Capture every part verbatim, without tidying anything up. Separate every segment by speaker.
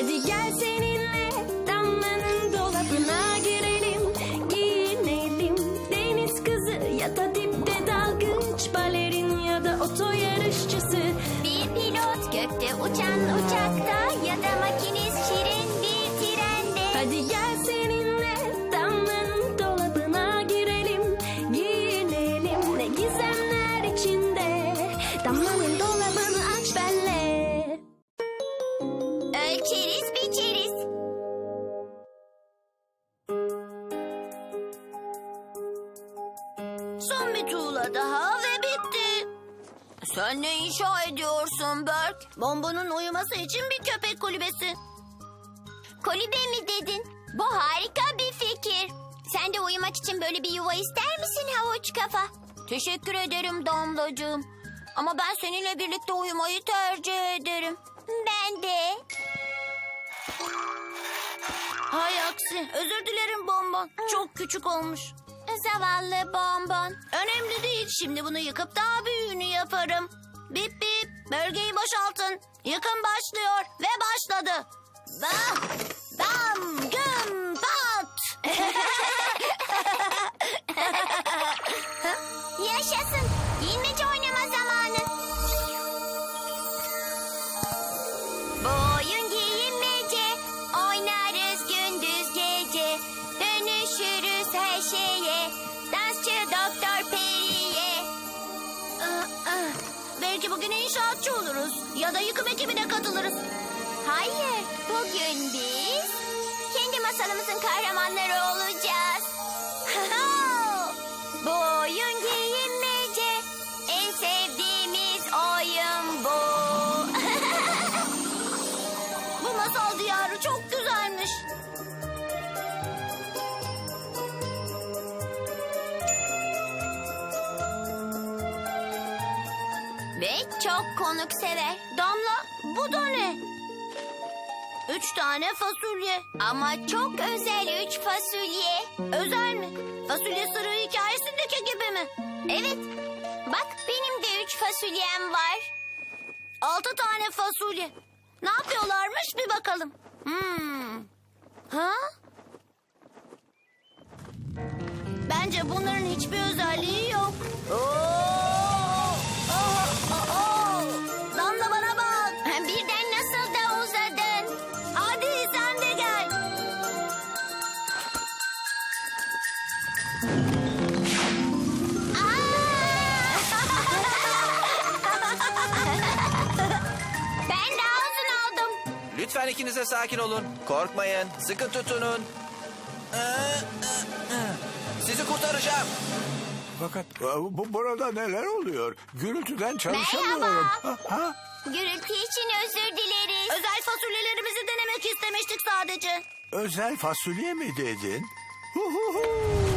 Speaker 1: Hadi gel seninle Damla'nın dolabına girelim, giyinelim. Deniz kızı ya da dipte dalgıç, balerin ya da oto yarışçısı.
Speaker 2: Bir pilot gökte uçan uçakta ya da makinist şirin bir trende.
Speaker 1: Hadi gel seninle Damla'nın dolabına girelim, giyinelim. Ne gizemler içinde, Damla'nın dolabını aç benle.
Speaker 2: Ölçeriz biçeriz. Son bir tuğla daha ve bitti. Sen ne inşa ediyorsun Berk? Bombonun uyuması için bir köpek kulübesi. Kulübe mi dedin? Bu harika bir fikir. Sen de uyumak için böyle bir yuva ister misin havuç kafa? Teşekkür ederim Damlacığım. Ama ben seninle birlikte uyumayı tercih ederim. Ben de. Hay aksi. Özür dilerim Bonbon. Çok küçük olmuş. Zavallı Bonbon. Önemli değil. Şimdi bunu yıkıp daha büyüğünü yaparım. Bip bip. Bölgeyi boşaltın. Yıkım başlıyor ve başladı. Bah, bam, güm, pat. Yaşasın. Giyinmece oynama zamanı. Bu oyun giyinmece. Oynarız gündüz gece. Dönüşürüz her şeye. Dansçı Doktor Peri'ye. Ah, ah. Belki bugün inşaatçı oluruz. Ya da yıkım ekibine katılırız. Hayır. Bugün biz kendi masalımızın kahramanları olacağız. Bu oyun giyinmece. En sevdiğimiz oyun bu. Bu masal diyarı çok güzelmiş. Ve çok konuksever. Damla, bu da ne? Üç tane fasulye. Ama çok özel üç fasulye. Özel mi? Fasulye sırrı hikayesindeki gibi mi? Evet. Bak benim de üç fasulyem var. Altı tane fasulye. Ne yapıyorlarmış bir bakalım. Hmm. Ha? Bence bunların hiçbir özelliği yok. Oo! Oh, oh, oh. Damla bana bak. Birden nasıl da uzadın. Hadi sen de gel. Ben daha uzun oldum.
Speaker 3: Lütfen ikinize sakin olun. Korkmayın. Sıkı tutunun. Sizi kurtaracağım.
Speaker 4: Fakat e, bu burada neler oluyor? Gürültüden çalışamıyorum.
Speaker 2: Merhaba.
Speaker 4: Ha, ha?
Speaker 2: Gürültü için özür dileriz. Özel fasulyelerimizi denemek istemiştik sadece.
Speaker 4: Özel fasulye mi dedin? Hu hu hu.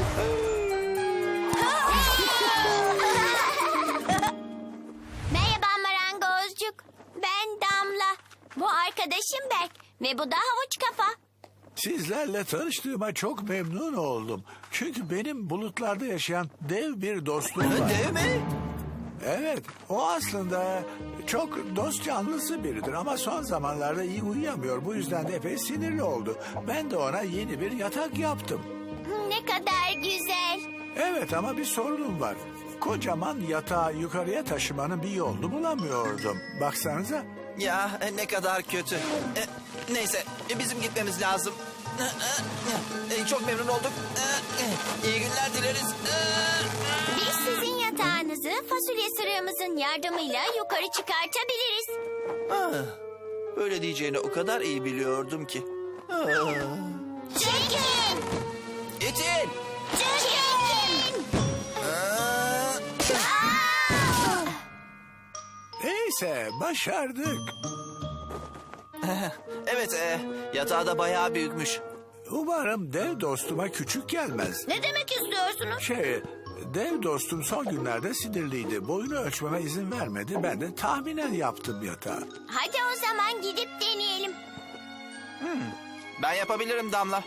Speaker 2: Merhaba marangozcuk. Ben Damla. Bu arkadaşım Berk. Ve bu da havuç kafa.
Speaker 4: Sizlerle tanıştığıma çok memnun oldum. Çünkü benim bulutlarda yaşayan dev bir dostum var.
Speaker 3: Dev mi?
Speaker 4: Evet, o aslında çok dost canlısı biridir ama son zamanlarda iyi uyuyamıyor. Bu yüzden de epey sinirli oldu. Ben de ona yeni bir yatak yaptım.
Speaker 2: Ne kadar güzel.
Speaker 4: Evet ama bir sorunum var. Kocaman yatağı yukarıya taşımanın bir yolunu bulamıyordum. Baksanıza.
Speaker 3: Ya ne kadar kötü. E, neyse bizim gitmemiz lazım. E, çok memnun olduk. E, iyi günler dileriz. E,
Speaker 2: Biz sizin yatağınızı fasulye sırığımızın yardımıyla yukarı çıkartabiliriz.
Speaker 3: ah, Böyle diyeceğini o kadar iyi biliyordum ki. Ah.
Speaker 2: Çekin!
Speaker 3: İtin.
Speaker 2: Çekin!
Speaker 3: Ah.
Speaker 4: Neyse başardık.
Speaker 3: Evet e, yatağı da bayağı büyükmüş.
Speaker 4: Umarım dev dostuma küçük gelmez.
Speaker 2: Ne demek istiyorsunuz?
Speaker 4: Şey, dev dostum son günlerde sinirliydi. Boyunu ölçmeme izin vermedi. Ben de tahminen yaptım yatağı.
Speaker 2: Hadi o zaman gidip deneyelim.
Speaker 3: Ben yapabilirim Damla.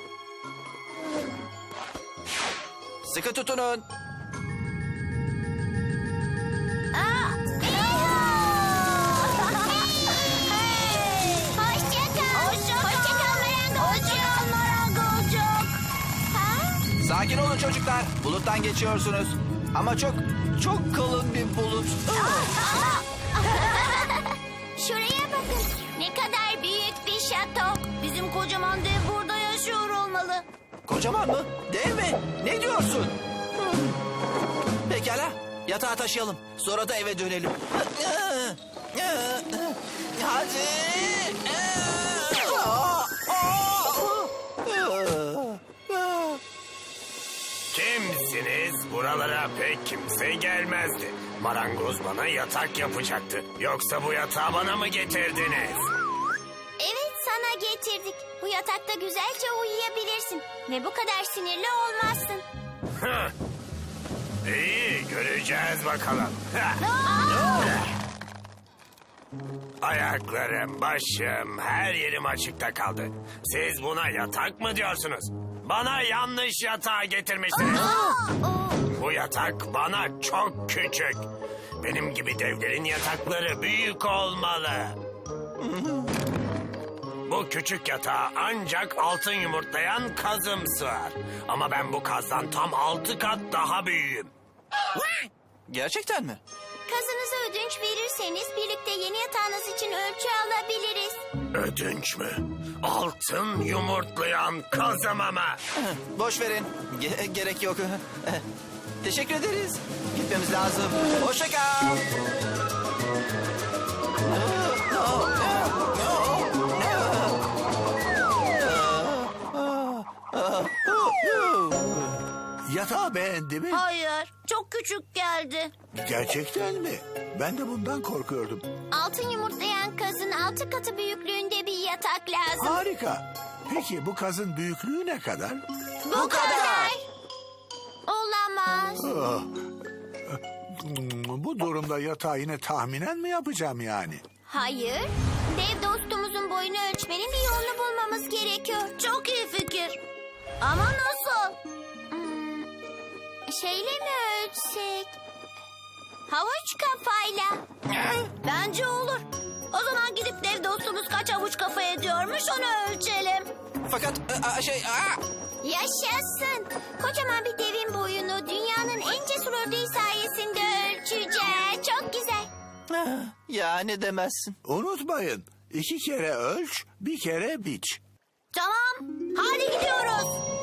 Speaker 3: Sıkı tutunun.
Speaker 2: Aa, hey! Hoşça kal. Hoşça kal.
Speaker 3: Sakin olun çocuklar. Buluttan geçiyorsunuz. Ama çok, çok kalın bir bulut.
Speaker 2: Şuraya bakın. Ne kadar büyük bir şato. Bizim kocaman dev burada yaşıyor olmalı.
Speaker 3: Kocaman mı? Dev mi? Ne diyorsun? Pekala. Yatağı taşıyalım. Sonra da eve dönelim. Hadi.
Speaker 5: Kimsiniz? Buralara pek kimse gelmezdi. Marangoz bana yatak yapacaktı. Yoksa bu yatağı bana mı getirdiniz?
Speaker 2: Evet, sana getirdik. Bu yatakta güzelce uyuyabilirsin. Ve bu kadar sinirli olmazsın.
Speaker 5: Hah. İyi, göreceğiz bakalım. Hah. Ayaklarım, başım, her yerim açıkta kaldı. Siz buna yatak mı diyorsunuz? Bana yanlış yatağı getirmişsiniz. Bu yatak bana çok küçük. Benim gibi devlerin yatakları büyük olmalı. Bu küçük yatağa ancak altın yumurtlayan kazım sığar. Ama ben bu kazdan tam altı kat daha büyüğüm.
Speaker 3: Gerçekten mi?
Speaker 2: Kazınızı ödünç verirseniz birlikte yeni yatağınız için ölçü alabiliriz.
Speaker 5: Ödünç mü? Altın yumurtlayan kazım ama.
Speaker 3: Boş verin. Ge- gerek yok. Teşekkür ederiz. Gitmemiz lazım. Hoşça kal.
Speaker 4: Yatağı beğendi mi?
Speaker 2: Hayır, çok küçük geldi.
Speaker 4: Gerçekten mi? Ben de bundan korkuyordum.
Speaker 2: Altın yumurtlayan kazın altı katı büyüklüğünde bir yatak lazım.
Speaker 4: Harika. Peki bu kazın büyüklüğü ne kadar?
Speaker 2: Bu kadar. Olamaz.
Speaker 4: Ah. Hmm, Bu durumda yatağı yine tahminen mi yapacağım yani?
Speaker 2: Hayır. Dev dostumuzun boyunu ölçmenin bir yolunu bulmamız gerekiyor. Çok iyi fikir. Ama nasıl? Hmm, şeyle mi ölçsek? Havuç kafayla. Bence olur. O zaman gidip dev dostumuz kaç havuç kafa ediyormuş onu ölçelim.
Speaker 3: Fakat a- şey... a-
Speaker 2: Yaşasın. Kocaman bir devin boyunu dünyanın en cesur ördeği sayesinde ölçeceğiz. Çok güzel.
Speaker 3: Ya ne demezsin.
Speaker 4: Unutmayın. iki kere ölç, bir kere biç.
Speaker 2: Tamam. Hadi gidiyoruz.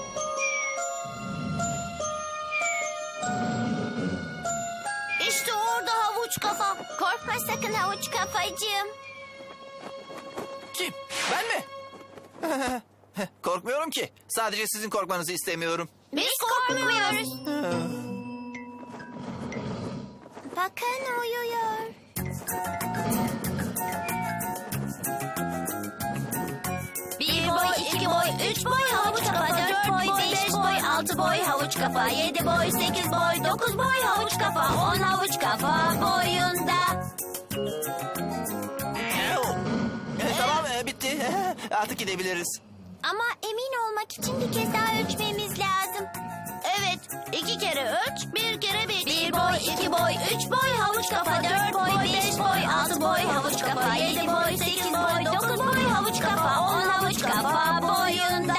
Speaker 2: İşte orada havuç kafa. Korkma sakın havuç kafacığım.
Speaker 3: Kim? Ben mi? Korkmuyorum ki. Sadece sizin korkmanızı istemiyorum.
Speaker 2: Biz korkmuyoruz. Bakın uyuyor. Bir boy, iki boy, üç boy havuç kafa, dört boy, beş boy, altı boy havuç kafa, yedi boy, sekiz boy, dokuz boy havuç kafa, on havuç kafa boyunda.
Speaker 3: E, tamam e, bitti. Artık gidebiliriz.
Speaker 2: Ama emin olmak için bir kez daha ölçmemiz lazım. Evet, iki kere ölç, bir kere biç. Bir boy, iki boy, üç boy havuç kafa, dört boy, beş boy, altı boy havuç kafa, yedi boy, sekiz boy, dokuz boy havuç kafa, on havuç kafa boyunda.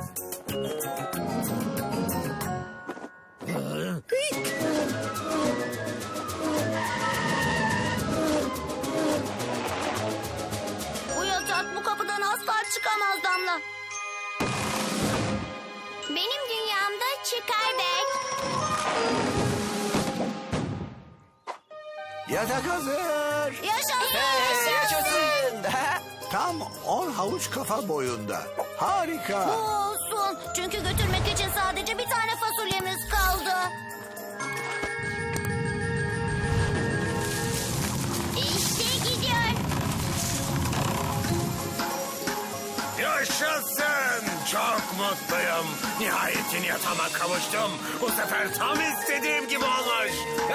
Speaker 2: Bu yatak bu kapıdan asla çıkamaz Damla. Benim dünyamda çıkar belki.
Speaker 4: Yatak hazır.
Speaker 2: Yaşasın.
Speaker 3: Hey, yaşasın.
Speaker 4: Tam on havuç kafa boyunda. Harika.
Speaker 2: Bu olsun. Çünkü götürmek için sadece bir tane fasulyemiz kaldı. İşte gidiyor.
Speaker 5: Yaşasın! Çok mutluyum. Nihayet yeni yatağıma kavuştum. Bu sefer tam istediğim gibi olmuş.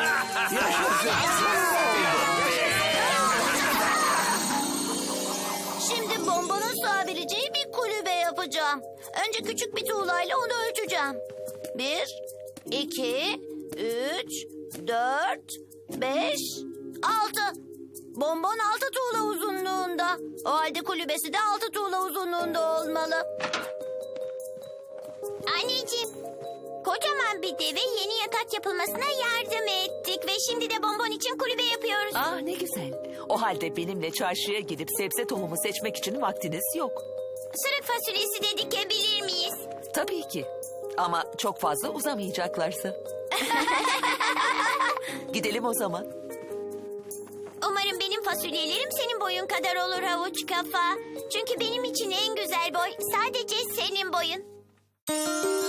Speaker 2: Şimdi bombanın sığabileceği bir kulübe yapacağım. Önce küçük bir tuğlayla onu ölçeceğim. Bir, iki, üç, dört, beş, altı. Bonbon altı tuğla uzunluğunda. O halde kulübesi de altı tuğla uzunluğunda olmalı. Anneciğim, Kocaman bir deve yeni yatak yapılmasına yardım ettik. Ve şimdi de bonbon için kulübe yapıyoruz.
Speaker 6: Ah ne güzel. O halde benimle çarşıya gidip sebze tohumu seçmek için vaktiniz yok.
Speaker 2: Sırık fasulyesi de dikebilir miyiz?
Speaker 6: Tabii ki. Ama çok fazla uzamayacaklarsa. Gidelim o zaman.
Speaker 2: Umarım benim fasulyelerim senin boyun kadar olur havuç kafa. Çünkü benim için en güzel boy sadece senin boyun.